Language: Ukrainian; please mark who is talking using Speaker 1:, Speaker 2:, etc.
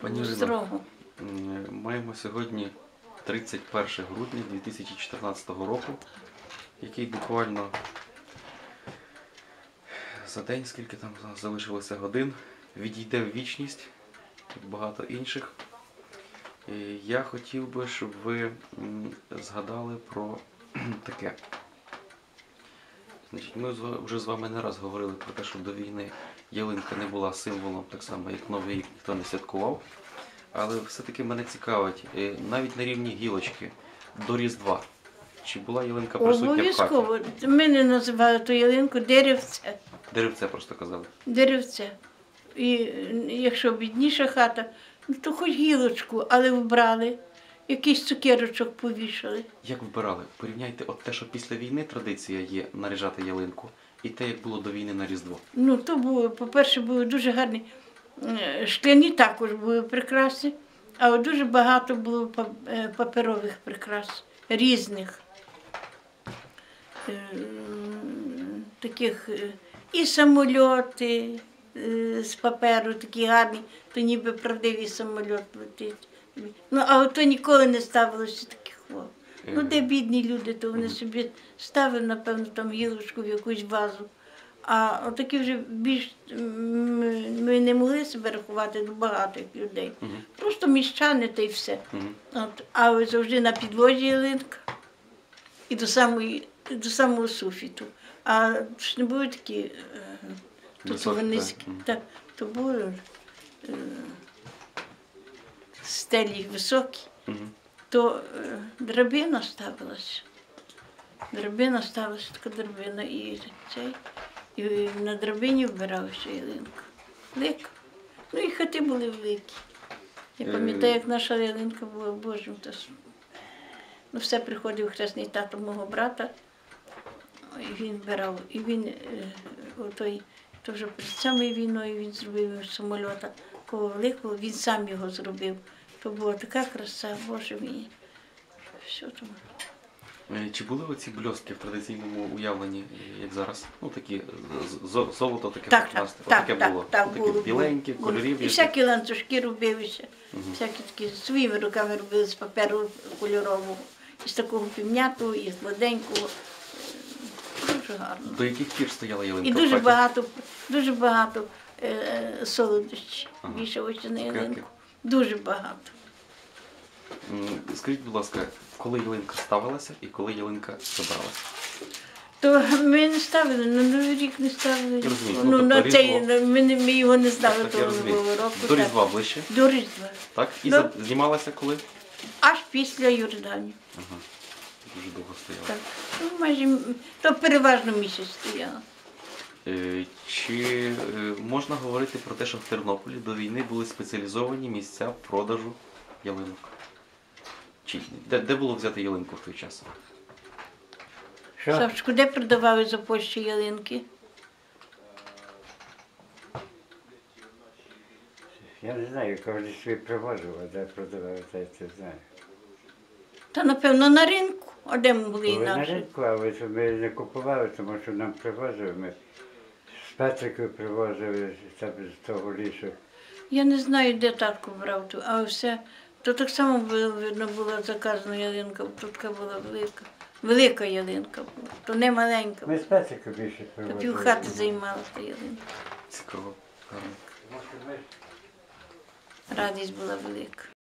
Speaker 1: Пані Ірино,
Speaker 2: строго.
Speaker 1: маємо сьогодні 31 грудня 2014 року, який буквально за день, скільки там залишилося годин, відійде в вічність, як багато інших. І я хотів би, щоб ви згадали про таке. Значить, ми вже з вами не раз говорили про те, що до війни ялинка не була символом, так само як Новий рік ніхто не святкував. Але все-таки мене цікавить, навіть на рівні гілочки до Різдва, чи була ялинка присутня в хаті?
Speaker 2: Обов'язково. Ми не називали ту ялинку деревце.
Speaker 1: Деревце просто казали.
Speaker 2: Деревце. І якщо бідніша хата, то хоч гілочку, але вбрали. Якийсь цукерочок повішали.
Speaker 1: Як вибирали? Порівняйте от те, що після війни традиція є наряжати ялинку, і те, як було до війни на Різдво.
Speaker 2: Ну, то було, по-перше, були дуже гарні. Шкляні також були прикраси, а от дуже багато було паперових прикрас, різних. Таких і самольоти з паперу, такі гарні, то ніби правдивий самольот летить. Ну, а ото ніколи не ставилося таких хлоп. Ну, де бідні люди, то вони собі ставили, напевно, там гілочку в якусь вазу. А отакі вже більш, ми не могли себе рахувати до багатих людей. Просто міщани та й все. От, а завжди на підлозі ялинка і до самого суфіту. А ж не були такі, тут вони низькі, то були стелі високі, то драбина ставилася. Драбина ставилася, така драбина і цей. І на драбині вбиралася ялинка. Велика. Ну і хати були великі. Я пам'ятаю, як наша ялинка була Божим. Ну, все приходив хресний тато мого брата, і він вбирав. І він, то вже перед самою війною він зробив самольота такого великого, він сам його зробив. То була така краса, Боже мій. Все там.
Speaker 1: Чи були оці бльостки в традиційному уявленні, як зараз? Ну, такі золото, таке прекрасне. Таке було. Таке біленьке, кольорів.
Speaker 2: І всякі ланцюжки робилися. Всякі такі своїми руками робили з паперу кольорового. І з такого півнятого, і з гладенького. Дуже гарно.
Speaker 1: До яких пір стояла ялинка?
Speaker 2: І дуже багато солодощів вішалося на ялинку. Дуже багато.
Speaker 1: Скажіть, будь ласка, коли ялинка ставилася і коли ялинка забралася?
Speaker 2: То ми не ставили, на Новий рік не ставили.
Speaker 1: Розумію,
Speaker 2: ми його не ставили того Нового року.
Speaker 1: До Різдва ближче?
Speaker 2: До Різдва.
Speaker 1: Так? І знімалася коли?
Speaker 2: Аж після Йордані.
Speaker 1: Ага. Дуже довго стояла.
Speaker 2: Так. Ну, майже, то переважно місяць стояла.
Speaker 1: Чи можна говорити про те, що в Тернополі до війни були спеціалізовані місця продажу ялинок? Де було взяти ялинку в той час?
Speaker 2: Савчику, де продавали за Польщі ялинки?
Speaker 3: Я не знаю, коли собі привозив, а де продавали, це я знаю.
Speaker 2: Та, напевно, на ринку. А де ми були
Speaker 3: Були на
Speaker 2: інакше?
Speaker 3: ринку, але ми не купували, тому що нам привозили. Ми з Петрикою привозили з того лісу.
Speaker 2: Я не знаю, де татко брав ту, а все. То так само видно була заказана ялинка, тут така була велика. Велика ялинка була, то не маленька.
Speaker 3: Ми з Петрикою більше
Speaker 2: То
Speaker 3: привозили.
Speaker 2: півхати займала та ялинка.
Speaker 1: Цікаво. Гарно.
Speaker 2: Радість була велика.